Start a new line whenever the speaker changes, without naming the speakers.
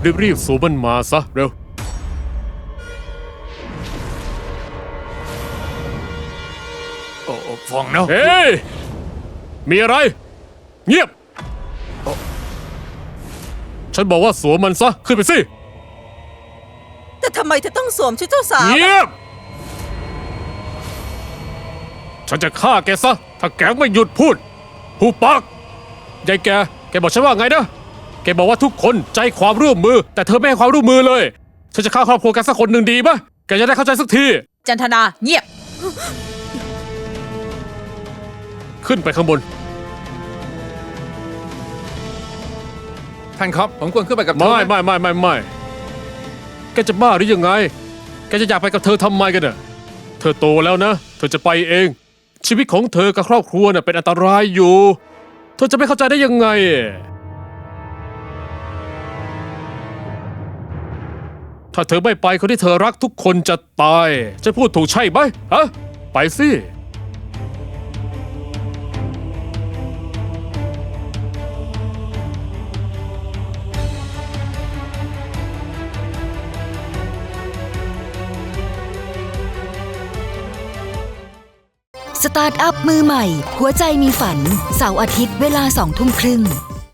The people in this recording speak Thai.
รีบๆสวมมันมาซะเร็ว
ฟังนะ
เฮ้ยมีอะไรเงียบฉันบอกว่าสวมมันซะขึ้นไปสิ
แต่ทำไมเธอต้องสวมชุดเจ้าสาว
เงียบฉันจะฆ่าแกซะถ้าแกไม่หยุดพูดหูปากยายแกบอกฉันว่าไงนะแกบอกว่าทุกคนใจความร่วมมือแต่เธอไม่ให้ความร่วมมือเลยฉันจะฆ่าครอบครัวแกสักคนหนึ่งดีปะแกจะได้เข้าใจสักที
จันทนาเงียบ
ขึ้นไปข้างบน
ท่านครับผมควรขึ้นไปกับเธอ
ไม่แกจะบ้าหรือยังไงแกจะอยากไปกับเธอทำไมกันน่ะเธอโตแล้วนะเธอจะไปเองชีวิตของเธอกับครอบครัวน่ะเป็นอันตรายอยู่เธอจะไม่เข้าใจได้ยังไงถ้าเธอไม่ไปคนที่เธอรักทุกคนจะตายจะพูดถูกใช่ไหมฮะไปสิ
สตาร์ทอัพมือใหม่หัวใจมีฝันเสาร์อาทิตย์เวลา20:30 น